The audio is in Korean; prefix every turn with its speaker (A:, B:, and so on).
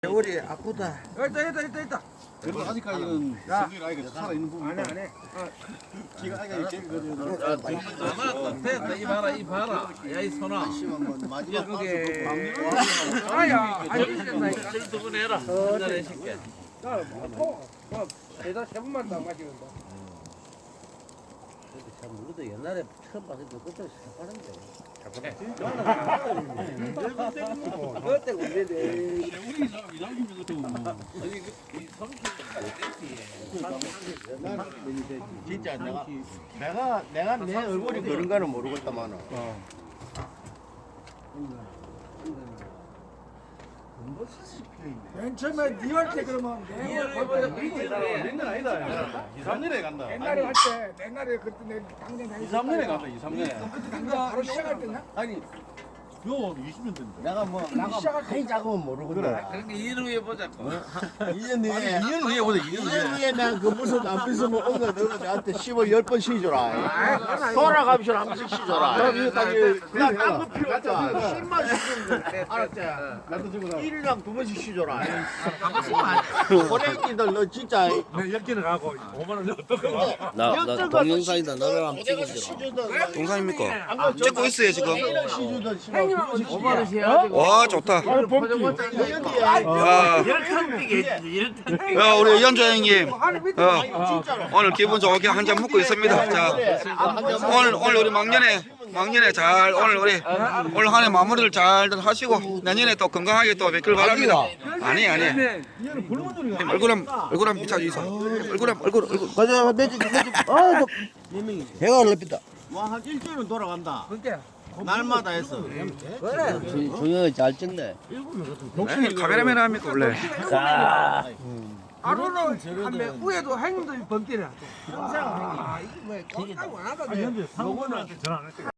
A: 우리 아프다.
B: 있다.
C: 그래도 아직까지는 성질 아이가 살아있는 부분.
B: 안 해.
C: 지금 아이가 제일
D: 됐다. 이 봐라. 야, 이 손아.
C: 마지막
D: 그게.
B: 아야, 아니잖아.
D: 두번 해라. 한잔 해줄게.
B: 대다 세 번만 더 마시는다.
A: 참 우리도 옛날에 처음 봤을 때 그때 새파란데. 그때 우리네.
C: 우리 이상준 같은
E: 진짜 내가 내 얼굴이 그런 거는 모르겠다만은.
B: 맨 처음에 니할때 그러면
C: 옛날 아니다. 2, 3년에 간다.
B: 옛날에 할때 옛날에 그때 내 당장
C: 2, 3년에 간다. 2, 3년에.
B: 그때 당장 바로 시작할 때냐?
C: 아니, 요 20년 됐는데.
E: 내가 나가 많이 작으면 모르거든.
D: 그러니까 2년 후에 보자고.
E: 2년 뒤에
C: 2년 후에 보자. 2년
E: 2년 후에 내가 그 무슨 안 삐으면 엉거 너가 나한테 10월 10번 쉬줘라. 돌아가면서 한 번씩 쉬줘라. 그냥 딴거 필요 없다. 10만 쉬주면 알았지?
C: 나도 지금
E: 1일당 2번씩 쉬줘라. 고래끼들 너 진짜
C: 역기는 가고 5만 원 어떡해.
A: 나 동영상이다. 너를 한번 찍어주라.
F: 동상입니까? 찍고 있어요 지금.
E: 쉬주던 시간
A: 5만원씩 해가지고.
F: 와 좋다. 야 우리 연조 형님 오늘 기분 좋게 한 잔 먹고 있습니다. 자 오늘 우리 막년에 잘 오늘 한 해 마무리를 잘 하시고 내년에 또 건강하게 또 뵙길 바랍니다. 아니 얼굴 한번 비춰주세요. 얼굴
E: 가자 매주 배가 올라삐다. 와한 일주일은 돌아간다. 날마다 했어.
A: 조용히 잘 찍네.
F: 카메라맨 합니까 원래?
B: 하루는 한배 후에도 행도 범띠라. 항상 행이. 이게 뭐 건강 안 하거든.
C: 사고는 전화 안 했대.